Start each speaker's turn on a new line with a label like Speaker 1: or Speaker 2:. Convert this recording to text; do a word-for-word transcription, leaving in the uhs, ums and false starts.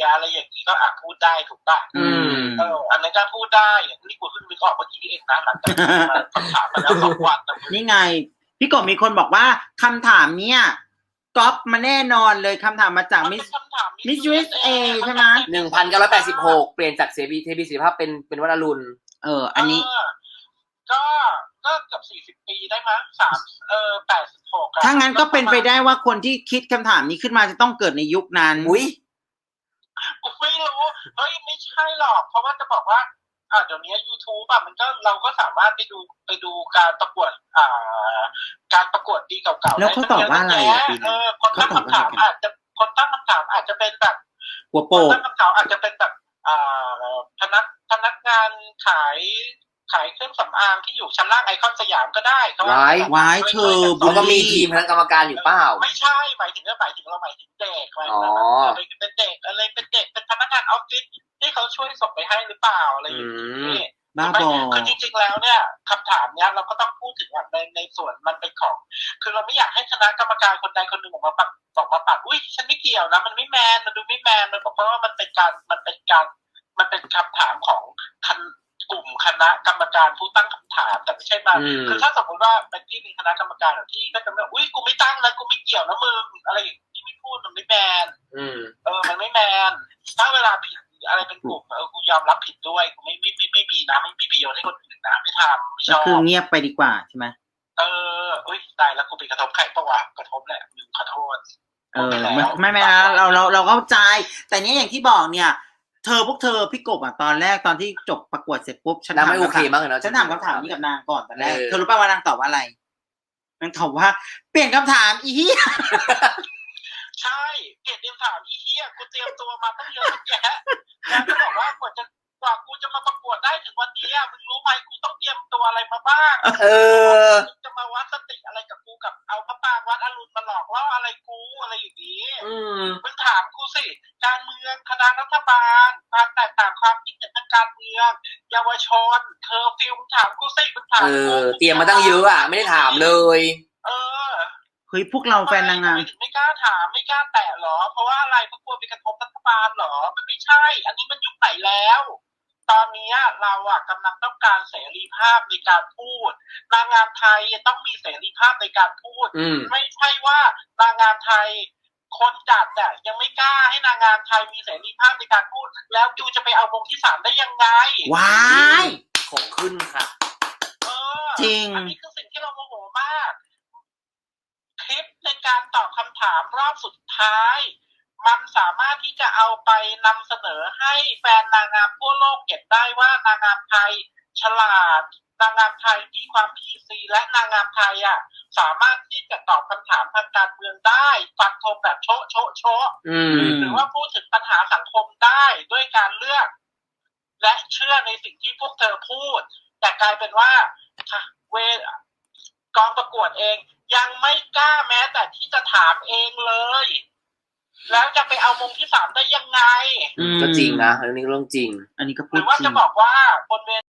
Speaker 1: ยอะไรอย่างนี้ก็อาจพูดได้ถูกป่ะ
Speaker 2: อืม
Speaker 1: เอออันนั้นก็พูดได้อย่างที่กูเพิ่งนึกออกเมื่อกี้เองนะหลังจากที่มาคำถามมาแล้วสองวัน
Speaker 2: นี่ไงพี่กบมีคนบอกว่าคำถามเนี้ยก๊อปมาแน่นอนเลยคำถามมาจากมิสมิสยูเอสเอใช่ไหม
Speaker 3: หนึ่งพันเก้าร้อยแปดสิบหกเปลี่ยนจากเสรีเทบีศิริภาพเป็นเป็นวัดอรุณ
Speaker 2: เอออันนี้
Speaker 1: ก็ก็เกือบสี่สิบปีได้มั้งสามเออแปดสิบหก
Speaker 2: ถ้างั้นก็เป็นไปได้ว่าคนที่คิดคำถามนี้ขึ้นมาจะต้องเกิดในยุคนั้น
Speaker 3: อุ้ย
Speaker 1: กูไม่รู้เฮ้ยไม่ใช่หรอกเพราะว่าจะบอกว่าอ่าเดี๋ยวนี้ YouTube อ่ะมันก็เราก็สามารถไปดูไปดูการประกวดอ่าการประกวดดีเก่าๆ
Speaker 2: แล้วเขาตอบว่าอะไรอ่ะ
Speaker 1: เออคนตั้งคำถามอาจจะคนตั้งคำถามอาจจะเป็นแบบ
Speaker 2: หัวโปก
Speaker 1: คนตั้งคำถามอาจจะเป็นแบบอ่าพนักพนักงานขายขายเครื่องสำอางที่อยู่ชั้นล่างไอคอนสยามก็ได้เขา
Speaker 3: ไว้
Speaker 2: ไว้เธอ
Speaker 3: เขาก็มีทีมคณะกรรมการอยู่เปล่า
Speaker 1: ไม่ใช่หมายถึงก็หมายถึงเราหมายถึงเด็กอะไรเป็นเด็กอะไรเป็นเด็กเป็นพนักงานออฟฟิศที่เขาช่วยส่งไปให้หรือเปล่าอะไรอย่างนี้
Speaker 2: บ้าบอ
Speaker 1: คือจริงๆแล้วเนี่ยคำถามเนี้ยเราก็ต้องพูดถึงในในส่วนมันเป็นของคือเราไม่อยากให้คณะกรรมการคนใดคนหนึ่งออกมาปัดออกมาปัดอุ้ยฉันไม่เกี่ยวนะมันไม่แมนมันดูไม่แมนมันบอกเพราะว่ามันเป็นการมันเป็นการมันเป็นคำถามของกลุ่มคณะกรรมการผู้ตั้งคำถามแต่ไม่ใช่มาคือถ้าสมมติว่าเป็นที่มีคณะกรรมการที่ก็จะไม่อุ้ยกูไม่ตั้งนะกูไม่เกี่ยวนะมึงอะไรอย่างที่ไม่พูดมันไม่แมนเออมันไม่แมนถ้าเวลาผิดอะไรเป็นกลุ่มเออกูยอมรับผิดด้วยกูไม่ไม่ไม่ไม่มีนะไม่มีประโยชน์ให้คนอื่นนะไม่ทำไม่ชอบ
Speaker 2: คือเงียบไปดีกว่าใช่ไหม
Speaker 1: เอออุ้ยตายแล้วกูไปกระทบใครปะวะกระทบแหละมึงขอโทษ
Speaker 2: เออไม่ไม่ไม่นะเราเราเราเข้าใจแต่เนี้ยอย่างที่บอกเนี่ยเธอพวกเธอพี่กบอ่ะตอนแรกตอนที่จบประกวดเสร็จปุ๊บฉัน
Speaker 3: ถามไม่โอเคมากเลยนะ
Speaker 2: ฉันถามคำถามนี้กับนางก่อนตอนแรกเธอรู้ป่ะว่านางตอบว่าอะไรนางตอบว่าเปลี่ยนคำถามอีเหี้ย
Speaker 1: ใช่เปลี่ยนคำถามอีเหี้ยกูเตรียมตัวมาตั้งเยอะแยะแล้วก็บอกว่ากว่าจะกว่ากูจะมาประกวดได้ถึงวันนี้มึงรู้ไหมกูต้องเตรียมตัวอะไรมาบ้าง
Speaker 3: เออ
Speaker 1: จะมาวัดสติอะไรกับกูกับเอาพระปางวัดอรุณมาหลอกล่ออะไรกูอะไรอย่างนี้มึงถามกูสิการเมืองคณะรัฐบาลความแตกต่างความคิดเห็นทางการเมืองเยาวชนเธอฟิลมึงถามกูสิมึงถามกู
Speaker 3: เตรียมมาตั้งเยอะอ่ะไม่ได้ถามเลย
Speaker 1: เออ
Speaker 2: เฮ้ยพวกเราแฟนนางงาม
Speaker 1: ไม่กล้าถามไม่กล้าแตะหรอเพราะว่าอะไรเพราะกลัวไปกระทบรัฐบาลหรอมันไม่ใช่อันนี้มันยุคไหนแล้วตอนนี้เราอ่ะกำลังต้องการเสรีภาพในการพูดนางงามไทยต้องมีเสรีภาพในการพูดไม่ใช่ว่านางงามไทยคนจัดอ่ะยังไม่กล้าให้นางงามไทยมีเสรีภาพในการพูดแล้วจูจะไปเอาวงที่สามได้ยังไง
Speaker 2: ว้าย
Speaker 3: ของขึ้นค่ะ
Speaker 1: เออ
Speaker 2: จริง
Speaker 1: อันนี้คือสิ่งที่เราโมโหมากคลิปในการตอบคำถามรอบสุดท้ายมันสามารถที่จะเอาไปนำเสนอให้แฟนนางงามทั่วโลกเก็บได้ว่านางงามไทยฉลาดนางงามไทยมีความ พี ซี และนางงามไทยอ่ะสามารถที่จะตอบคำถามทางการเมืองได้ฟันธงแบบโชะโชะโชะหรือว่าพูดถึงปัญหาสังคมได้ด้วยการเลือกและเชื่อในสิ่งที่พวกเธอพูดแต่กลายเป็นว่าเวกองประกวดเองยังไม่กล้าแม้แต่ที่จะถามเองเลยแล้วจะไปเอามงที่สามได้ยังไง
Speaker 3: ก็จริงนะเรื่องนี้เรื่องจริง
Speaker 2: อันนี้ก็พูด
Speaker 1: หรือว่าจะบอกว่าบนเว